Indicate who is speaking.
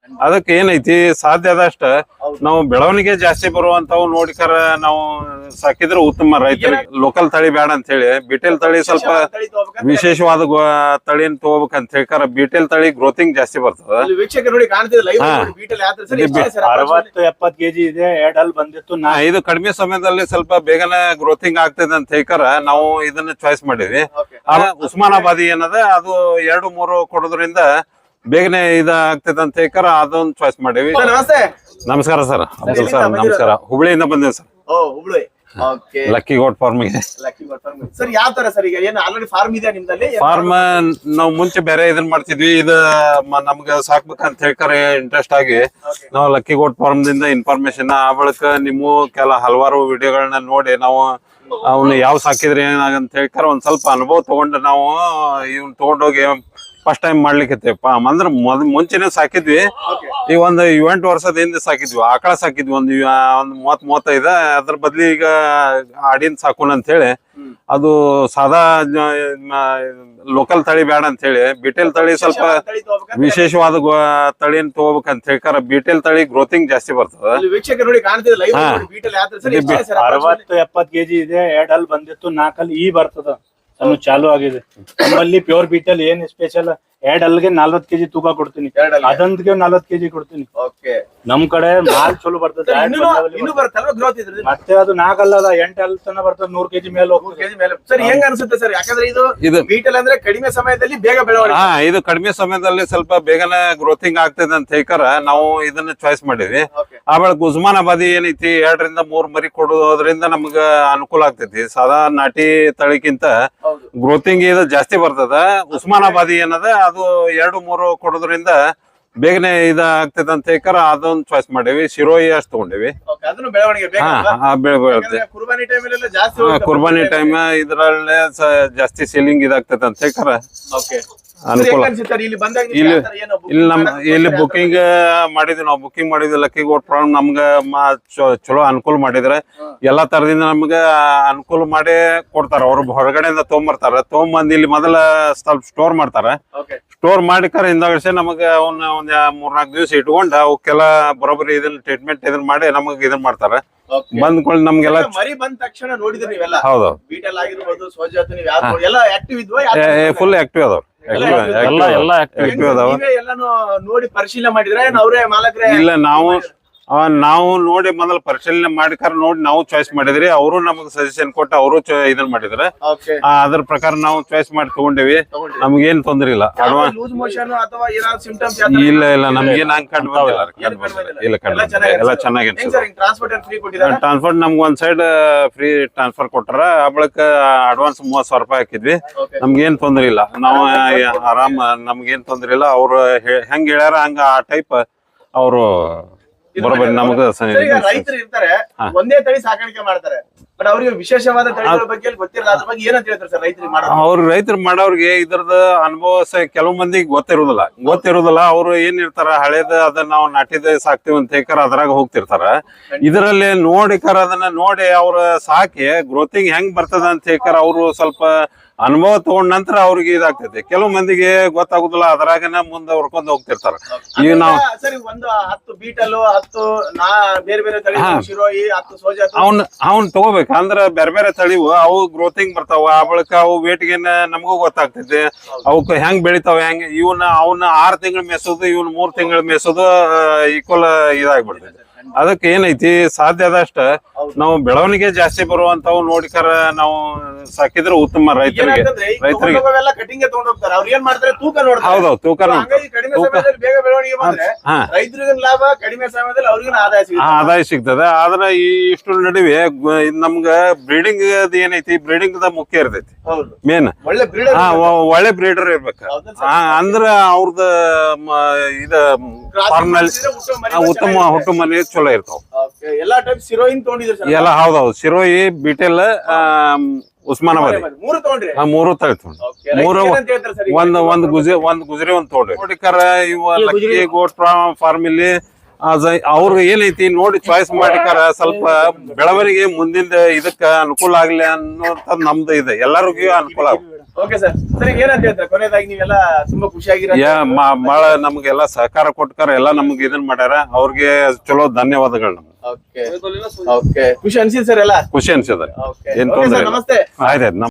Speaker 1: ಅದಕ್ಕೆ ಏನೈತಿ ಸಾಧ್ಯ ಆದಷ್ಟ ನಾವು ಬೆಳವಣಿಗೆ ಜಾಸ್ತಿ ಬರುವಂತವು ನೋಡಿಕರ ನಾವು ಸಾಕಿದ್ರೆ ಉತ್ತಮ ರೈತರಿಗೆ. ಲೋಕಲ್ ತಳಿ ಬೇಡ ಅಂತ ಹೇಳಿ ಬಿಟೆಲ್ ತಳಿ ಸ್ವಲ್ಪ ವಿಶೇಷವಾದ ತಳಿನ ತಗೋಬೇಕಂತ ಹೇಳ್ಕಾರ. ಬಿಟೆಲ್ ತಳಿ ಗ್ರೋತಿಂಗ್ ಜಾಸ್ತಿ ಬರ್ತದ.
Speaker 2: 60-70 ಕೆಜಿ ಇದೆ. ಎರಡಲ್ಲಿ ಬಂದಿತ್ತು.
Speaker 1: ಇದು ಕಡಿಮೆ ಸಮಯದಲ್ಲಿ ಸ್ವಲ್ಪ ಬೇಗನೆ ಗ್ರೋತಿಂಗ್ ಆಗ್ತದೆ ಅಂತ ಹೇಳ್ಕಾರ ನಾವು ಇದನ್ನ ಚಾಯ್ಸ್ ಮಾಡಿದ್ವಿ. ಉಸ್ಮಾನಾಬಾದಿ ಏನದ ಅದು 2-3 ಕೊಡೋದ್ರಿಂದ ಬೇಗನೆ ಇದಾಗ್ತದೆ ಅಂತ ಹೇಳ್ಕಾರ ಅದೊಂದು ಚಾಯ್ಸ್ ಮಾಡೀವಿ. ನಮಸ್ಕಾರ ಸರ್. ಅಬ್ದುಲ್ ಸರ್ ನಮಸ್ಕಾರ. ಹುಬ್ಳಿಯಿಂದ ಬಂದೇವಿ ಸರ್. ಲಕ್ಕಿ ಗೋಟ್ ಫಾರ್ಮಿಗೆ.
Speaker 3: ಸರ್ ಯಾವ ತರ ಸರ್ ಈಗ ಏನು ಆಲ್ರೆಡಿ ಫಾರ್ಮ್ ಇದೆ ನಿಮ್ದಲ್ಲಿ?
Speaker 1: ಫಾರ್ಮ್ ನಾವು ಮುಂಚೆ ಬೇರೆ ಇದನ್ನ ಮಾಡ್ತಿದ್ವಿ. ಇದು ನಮ್ಗೆ ಸಾಕ್ಬೇಕಂತ ಹೇಳ್ತಾರೆ ಇಂಟ್ರೆಸ್ಟ್ ಆಗಿ ನಾವು ಲಕ್ಕಿ ಗೋಟ್ ಫಾರ್ಮ್ ದಿಂದ ಇನ್ಫಾರ್ಮೇಶನ್ ಆ ಬಳಿಕ ನಿಮ್ಮ ಹಲವಾರು ವಿಡಿಯೋಗಳನ್ನ ನೋಡಿ ನಾವು ಅವ್ನ ಯಾವ ಸಾಕಿದ್ರೆ ಏನಾಗಂತ ಹೇಳ್ತಾರೆ ಒಂದ್ ಸ್ವಲ್ಪ ಅನುಭವ ತಗೊಂಡು ನಾವು ಇವ್ನ ತಗೊಂಡೋಗಿ ಫಸ್ಟ್ ಟೈಮ್ ಮಾಡ್ಲಿಕ್ಕೆ ಅಂದ್ರೆ ಮುಂಚೆನೆ ಸಾಕಿದ್ವಿ. ಈಗ ಒಂದು 8 ವರ್ಷದ ಹಿಂದೆ ಸಾಕಿದ್ವಿ. ಆಕಳ ಸಾಕಿದ್ವಿ ಒಂದು 30-35. ಅದ್ರ ಬದ್ಲಿ ಈಗ ಆಡಿನ ಸಾಕೋಣ ಅಂತ ಹೇಳಿ ಅದು ಸಾದಾ ಲೋಕಲ್ ತಳಿ ಬೇಡ ಅಂತ ಹೇಳಿ ಬಿಟೆಲ್ ತಳಿ ಸ್ವಲ್ಪ ವಿಶೇಷವಾದ ತಳಿನ ತಗೋಬೇಕಂತ ಹೇಳ್ಕಾರ. ಬಿಟೆಲ್ ತಳಿ ಗ್ರೋತಿಂಗ್ ಜಾಸ್ತಿ ಬರ್ತದ.
Speaker 2: 60-70 ಕೆಜಿ ಇದೆ. ಎರಡಲ್ಲಿ ಬಂದಿತ್ತು. 4 ಈ ಬರ್ತದ. ಚಾಲು ಆಗಿದೆ. ನಮ್ಮಲ್ಲಿ ಪ್ಯೂರ್ ಬೀಟಲ್ ಏನ್ ಸ್ಪೆಷಲ್, ಎರಡಲ್ಗೆ 40 ಕೆಜಿ ತೂಕ ಕೊಡ್ತೀನಿ. ಅದಂದ್ಗೆ 40 ಕೆಜಿ ಕೊಡ್ತೀನಿ. ನಮ್ ಕಡೆ ಮಾಲ್ ಚಲೋ ಬರ್ತದೆ. ಮತ್ತೆ ಅದು 4 ಅಲ್ಲ 8 ಅಲ್ ತನ ಬರ್ತದೆ. 100 ಕೆಜಿ ಮೇಲೆ ಹೋಗ್ತದೆ.
Speaker 3: ಸರ್ ಹೆಂಗ ಅನ್ಸುತ್ತೆ ಸರ್? ಯಾಕಂದ್ರೆ ಇದು ಬೀಟಲ್ ಅಂದ್ರೆ ಕಡಿಮೆ ಸಮಯದಲ್ಲಿ ಬೇಗ ಬೆಳವಣಿಗೆ.
Speaker 1: ಇದು ಕಡಿಮೆ ಸಮಯದಲ್ಲಿ ಸ್ವಲ್ಪ ಬೇಗನೆ ಗ್ರೋತಿಂಗ್ ಆಗ್ತದೆ ಅಂತ ಹೇಳ್ಕಾರ ನಾವು ಇದನ್ನ ಚಾಯ್ಸ್ ಮಾಡಿದ್ವಿ. ಆಮೇಲೆ ಉಸ್ಮಾನಾಬಾದಿ ಏನೈತಿ 2-3 ಮರಿ ಕೊಡೋದ್ರಿಂದ ನಮ್ಗ ಅನುಕೂಲ ಆಗ್ತೈತಿ. ಸಾದಾ ನಾಟಿ ತಳಿಗಿಂತ ಗ್ರೋತಿಂಗ್ ಇದು ಜಾಸ್ತಿ ಬರ್ತದ. ಉಸ್ಮಾನಾಬಾದಿ ಏನದ ಅದು 2-3 ಕೊಡೋದ್ರಿಂದ ಬೇಗನೆ ಇದಾಗ್ತದೆ ಅಂತ ಹೇಳ್ಕಾರ ಅದೊಂದು ಚಾಯ್ಸ್ ಮಾಡೇವಿ. ಶಿರೋಯಿ ಅಷ್ಟು ತಗೊಂಡೇವಿ. ಕುರ್ಬಾನಿ ಟೈಮ್ ಇದ್ರಲ್ಲೇ ಜಾಸ್ತಿ ಸೇಲಿಂಗ್ ಇದಾಗ್ತದೆ ಅಂತ ಹೇಳ್ಕಾರ ಅನುಕೂಲ. ಇಲ್ಲಿ ಬುಕಿಂಗ್ ಮಾಡಿದ್ವಿ ನಾವು. ಬುಕಿಂಗ್ ಮಾಡಿದ್ವಿ ಲಕ್ಕಿ ಗೋಟ್ ಫಾರ್ಮ್. ನಮ್ಗ ಚಲೋ ಅನುಕೂಲ ಮಾಡಿದ್ರೆ ಎಲ್ಲಾ ತರದಿಂದ ನಮ್ಗ ಅನುಕೂಲ ಮಾಡಿ ಕೊಡ್ತಾರ. ಅವ್ರು ಹೊರಗಡೆಯಿಂದ ತೊಗೊಂಬರ್ತಾರ. ತೊಗೊಂಬಂದ್ ಇಲ್ಲಿ ಮೊದಲ ಸ್ವಲ್ಪ ಸ್ಟೋರ್ ಮಾಡ್ತಾರ. ಸ್ಟೋರ್ ಮಾಡಿಕಾರ ಹಿಂದಾಗಡೆ ನಮಗ ಒಂದ್ 3-4 ದಿವಸ ಇಟ್ಕೊಂಡ ಅವಕ್ಕೆಲ್ಲ ಬರೋಬ್ಬರಿ ಇದನ್ನ ಟ್ರೀಟ್ಮೆಂಟ್ ಇದನ್ನ ಮಾಡಿ ನಮಗ್ ಇದನ್ ಮಾಡ್ತಾರ. ಬಂದ್ಕೊಳ್ಳಿ ನಮ್ಗೆಲ್ಲ
Speaker 3: ಮರಿ ಬಂದ ತಕ್ಷಣ ನೋಡಿದ್ರಿ ನೀವೆಲ್ಲ?
Speaker 1: ಹೌದು.
Speaker 3: ಬೀಟಲ್ ಆಗಿರ್ಬೋದು, ಸೋಜಾತು ಎಲ್ಲ ಆಕ್ಟಿವ್ ಇದ್ವಾ?
Speaker 1: ಫುಲ್ ಆಕ್ಟಿವ್ ಅದಾವ.
Speaker 3: ಎಲ್ಲಾನು ನೋಡಿ ಪರಿಶೀಲನೆ ಮಾಡಿದ್ರೆ ಅವರೇ ಮಾಲಕರೇ?
Speaker 1: ಇಲ್ಲ, ನಾವು ನೋಡಿ ಮೊದಲ ಪರಿಶೀಲನೆ ಮಾಡಿಕಾರ ನೋಡಿ ನಾವು ಚಾಯ್ಸ್ ಮಾಡಿದ್ರಿ. ಅವರು ನಮಗ್ ಸಜೆಷನ್ ಕೊಟ್ಟು ಅವರು ಇದನ್ ಮಾಡಿದ್ರೆ ಅದ್ರ ಪ್ರಕಾರ ನಾವು ಚಾಯ್ಸ್ ಮಾಡಿ ತಗೊಂಡೇವಿ. ನಮ್ಗೇನ್ ತೊಂದ್ರೆ ಇಲ್ಲ. ಇಲ್ಲ ನಮ್ಗೇನ್ ಹಂಗ್ ಕಂಡು ಇಲ್ಲ ಎಲ್ಲ ಚೆನ್ನಾಗಿ. ಟ್ರಾನ್ಸ್ಪೋರ್ಟ್ ನಮ್ಗೆ ಒಂದ್ ಸೈಡ್ ಫ್ರೀ ಟ್ರಾನ್ಸ್ಫರ್ ಕೊಟ್ಟಾರ. ಆ ಬಳಿಕ ಅಡ್ವಾನ್ಸ್ 30,000 ರೂಪಾಯಿ ಹಾಕಿದ್ವಿ. ನಮ್ಗೇನ್ ತೊಂದ್ರೆ ಇಲ್ಲ. ನಾವು ಆರಾಮ್, ನಮ್ಗೇನ್ ತೊಂದ್ರೆ ಇಲ್ಲ. ಅವ್ರು ಹೆಂಗ್ ಹೇಳ್ಯಾರ ಹಂಗ ಆ ಟೈಪ್ ಅವರು ಬರೋಬ್ಬರಿ ನಮಗ.
Speaker 3: ರೈತರು ಇರ್ತಾರೆ ಒಂದೇ ತಳಿ ಸಾಕಾಣಿಕೆ ಮಾಡ್ತಾರೆ, ಬಟ್ ಅವ್ರಿಗೆ ವಿಶೇಷವಾದ ತಳಿಗಳ ಬಗ್ಗೆ ಗೊತ್ತಿರಲ್ಲ. ಅದ್ರ ಬಗ್ಗೆ ಏನಂತ ಹೇಳ್ತಾರೆ ಸರ್ ರೈತರು ಮಾಡೋರ್ಗೆ? ಇದ್ರದ ಅನುಭವ ಕೆಲವು ಮಂದಿಗೆ ಗೊತ್ತಿರುದಿಲ್ಲ. ಅವ್ರು ಏನ್ ಇರ್ತಾರ ಹಳೇದ ಅದನ್ನ ನಾವು ನಾಟಿದ ಸಾಕ್ತಿವಿ ಅಂತ ಹೇಳ್ಕಾರ ಅದ್ರಾಗ ಹೋಗ್ತಿರ್ತಾರ. ಇದರಲ್ಲಿ ನೋಡಿಕಾರ ಅದನ್ನ ನೋಡಿ ಅವ್ರ ಸಾಕಿ ಗ್ರೋತಿಂಗ್ ಹೆಂಗ್ ಬರ್ತದ ಅಂತ ಹೇಳ್ಕಾರ ಅವ್ರು ಸ್ವಲ್ಪ ಅನುಭವ ತಗೊಂಡ ನಂತರ ಅವ್ರಿಗೆ ಇದಾಗ್ತೈತಿ. ಕೆಲವು ಮಂದಿಗೆ ಗೊತ್ತಾಗುದಿಲ್ಲ. ಅದ್ರಾಗನ ಮುಂದೆ ಹೊರ್ಕೊಂಡ್ ಹೋಗ್ತಿರ್ತಾರ. ಈಗ ನಾವು ಒಂದು 10 ಬೀಟಲ್ 10 ಬೇರೆ ಬೇರೆ ತಳಿ ಶಿರೋಯಿ 10 ಸೋಜಾತು
Speaker 1: ಅವ್ನ್ ತಗೋಬೇಕು. ಅಂದ್ರ ಬೇರೆ ಬೇರೆ ತಳಿವು ಅವು ಗ್ರೋತಿಂಗ್ ಬರ್ತಾವ. ಆ ಬಳಿಕ ಅವು ವೇಟ್ಗೆ ನಮಗೂ ಗೊತ್ತಾಗ್ತೈತಿ. ಅವಕ್ ಹೆಂಗ್ ಬೆಳಿತಾವ ಹೆಂಗ್. ಅವ್ನ 6 ತಿಂಗಳು ಮೇಸೋದು, 3 ತಿಂಗಳು ಮೇಸೋದು ಈಕ್ವಲ್ ಇದಾಗ್ಬಿಡ್ತೈತಿ. ಅದಕ್ಕೆ ಏನೈತಿ ಸಾಧ್ಯ ಆದಷ್ಟ ನಾವು ಬೆಳವಣಿಗೆ ಜಾಸ್ತಿ ಬರುವಂತವು ನೋಡಿಕರ ನಾವು ಸಾಕಿದ್ರೆ ಉತ್ತಮ ರೈತರಿಗೆ. ಹೌದೌದು, ತೂಕ ಆದಾಯ ಸಿಗ್ತದೆ. ಆದ್ರೆ ಇಷ್ಟು ನಡುವೆ ನಮ್ಗ ಬ್ರೀಡಿಂಗ್ ಏನೈತಿ, ಬ್ರೀಡಿಂಗ್ ಮುಖ್ಯ ಇರ್ತೈತಿ ಮೇನ್. ಒಳ್ಳೆ ಬ್ರೀಡರ್ ಇರ್ಬೇಕು. ಅಂದ್ರ ಅವ್ರದ ಇದ ಫಾರ್ಮ್ ನಲ್ಲಿ ಉತ್ತಮ ಹುಟ್ಟು ಮನೆ ಚಲೋ ಇರ್ತಾವ. ಎಲ್ಲ ಹೌದೌದು. ಶಿರೋಯಿ, ಬಿಟೆಲ್, ಉಸ್ಮಾನಾಬಾದಿ 3 ತಳಿ ತಗೊಂಡ್ರಿ. ಒಂದ್ ಗುಜರಿ ಒಂದ್ ತಗೊಂಡ್ರಿ. ನೋಡಿಕರ ಇವ ಲಕ್ಕಿ ಗೋಟ್ ಫಾರ್ಮ್ ಇಲ್ಲಿ ಅವ್ರು ಏನೈತಿ ನೋಡಿ ಚಾಯ್ಸ್ ಮಾಡಿಕಾರ ಸ್ವಲ್ಪ ಬೆಳವಣಿಗೆ ಮುಂದಿನ ಇದಕ್ಕ ಅನುಕೂಲ ಆಗ್ಲಿ ಅನ್ನೋಂಥದ್ದು ನಮ್ದು ಇದೆ. ಎಲ್ಲರಿಗೂ ಅನುಕೂಲ ಆಗುತ್ತೆ.
Speaker 3: Okay sir. ಸರ್ ಈಗ ಏನಂತ ಹೇಳ್ತಾರೆ ಕೊನೆಯದಾಗಿ ನೀವೆಲ್ಲ ತುಂಬಾ ಖುಷಿಯಾಗಿರೋ
Speaker 1: ಬಾಳ ನಮ್ಗೆಲ್ಲ ಸಹಕಾರ ಕೊಟ್ಟಾರ, ಎಲ್ಲ ನಮ್ಗೆ ಇದನ್ ಮಾಡ್ಯಾರ. ಅವ್ರಿಗೆ ಚಲೋ ಧನ್ಯವಾದಗಳು. ನಮ್ಗೆ
Speaker 3: ಓಕೆ ಖುಷಿ ಅನ್ಸಿದ್ ಸರ್ ಎಲ್ಲ
Speaker 1: ಖುಷಿ ಅನ್ಸಿದ.
Speaker 3: ಓಕೆ
Speaker 1: ಏನ್
Speaker 3: ಓಕೆ
Speaker 1: ತೊಂದ್ರೆ
Speaker 3: ಸರ್
Speaker 1: ಇಲ್ಲ.
Speaker 3: ನಮಸ್ತೆ.
Speaker 1: ಆಯ್ತಾಯ್ತು.